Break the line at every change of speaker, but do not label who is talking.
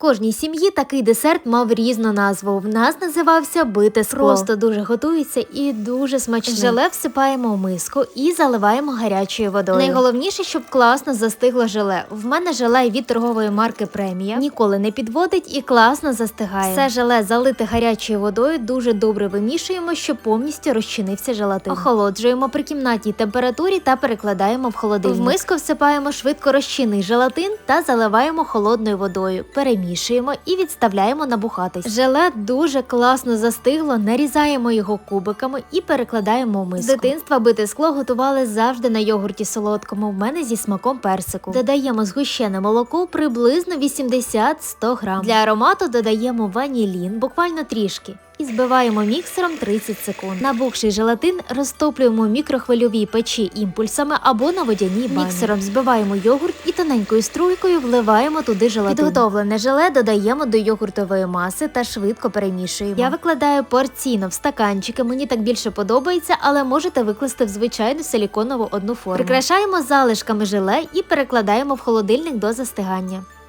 кожній сім'ї такий десерт мав різну назву. В нас називався бите скло. Просто дуже готується і дуже смачно. Желе всипаємо в миску і заливаємо гарячою водою. Найголовніше, щоб класно застигло желе. В мене желе від торгової марки Премія. Ніколи не підводить і класно застигає. Все желе залите гарячою водою, дуже добре вимішуємо, щоб повністю розчинився желатин. Охолоджуємо при кімнатній температурі та перекладаємо в холодильник. В миску всипаємо швидко розчинний желатин та заливаємо холодною водою. Перемішуємо і відставляємо набухатись. Желе дуже класно застигло, нарізаємо його кубиками і перекладаємо в миску. З дитинства бите скло готували завжди на йогурті солодкому, в мене зі смаком персику. Додаємо згущене молоко приблизно 80-100 грам. Для аромату додаємо ванілін, буквально трішки. І збиваємо міксером 30 секунд. Набухший желатин розтоплюємо в мікрохвильовій печі імпульсами або на водяній бані. Міксером збиваємо йогурт і тоненькою струйкою вливаємо туди желатин. Підготовлене желе додаємо до йогуртової маси та швидко перемішуємо. Я викладаю порційно в стаканчики, мені так більше подобається, але можете викласти в звичайну силіконову одну форму. Прикрашаємо залишками желе і перекладаємо в холодильник до застигання.